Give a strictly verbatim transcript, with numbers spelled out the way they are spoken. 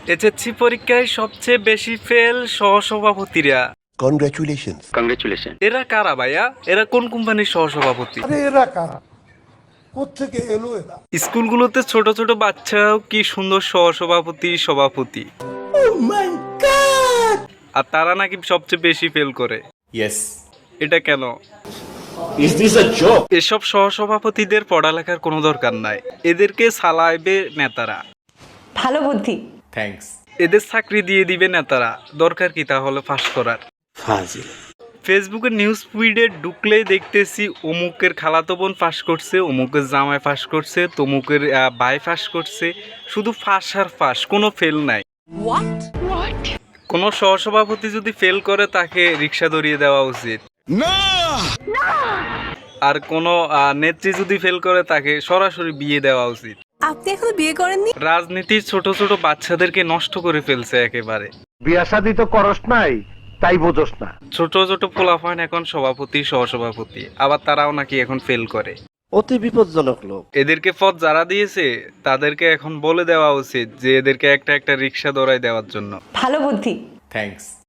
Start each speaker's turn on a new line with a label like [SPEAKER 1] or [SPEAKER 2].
[SPEAKER 1] SSC পরীক্ষায় সবচেয়ে বেশি ফেল সহসভাপতিরা।
[SPEAKER 2] Congratulations
[SPEAKER 3] congratulation.
[SPEAKER 1] এরা কারা ভাইয়া? এরা কোন কোম্পানির সহসভাপতি?
[SPEAKER 4] আরে এরা কারা, কোত্থেকে এলো এরা?
[SPEAKER 1] স্কুলগুলোতে ছোট ছোট বাচ্চাও কি সুন্দর সহসভাপতি সভাপতি, আর তারা নাকি সবচেয়ে বেশি ফেল করে।
[SPEAKER 5] Yes.
[SPEAKER 1] এটা কেন?
[SPEAKER 5] Is this a joke?
[SPEAKER 1] এসব সহসভাপতিদের পড়ালেখার কোনো দরকার নাই, এদেরকে চালাইবে নেতারা।
[SPEAKER 6] ভালো বুদ্ধি।
[SPEAKER 5] Thanks.
[SPEAKER 1] এদের চাকরি দিয়ে দিবে নেতারা, দরকার কি তাহলে ফাঁস করার?
[SPEAKER 2] ফাজিল।
[SPEAKER 1] ফেসবুকের নিউজ ফিডে ঢুকলেই দেখতেছি অমুকের খালাতো বোন ফাঁস করছে, অমুকের জামাই ফাঁস করছে, তমুকের আহ, ভাই ফাঁস করছে। শুধু ফাঁস আর ফাঁস, কোনো ফেল নাই। কোনো সহসভাপতি যদি ফেল করে তাকে রিক্সা ধরিয়ে দেওয়া উচিত, আর কোনো আহ, নেত্রী যদি ফেল করে তাকে সরাসরি বিয়ে দেওয়া উচিত।
[SPEAKER 6] আপনি এখনো বিয়ে করেননি?
[SPEAKER 1] রাজনীতির ছোট ছোট বাচ্চাদেরকে নষ্ট করে ফেলছে একেবারে।
[SPEAKER 7] বিয়া শাদি তো করস নাই, তাই বোঝস না।
[SPEAKER 1] ছোট ছোট পোলাপান এখন সভাপতি সহসভাপতি, আবার তারাও নাকি এখন ফেল করে।
[SPEAKER 2] অতি বিপজ্জনক লোক।
[SPEAKER 1] এদেরকে পদ যারা দিয়েছে তাদেরকে এখন বলে দেওয়া উচিত যে এদেরকে একটা একটা রিক্সা দৌড়াই দেওয়ার জন্য।
[SPEAKER 6] ভালো বুদ্ধি।
[SPEAKER 5] Thanks.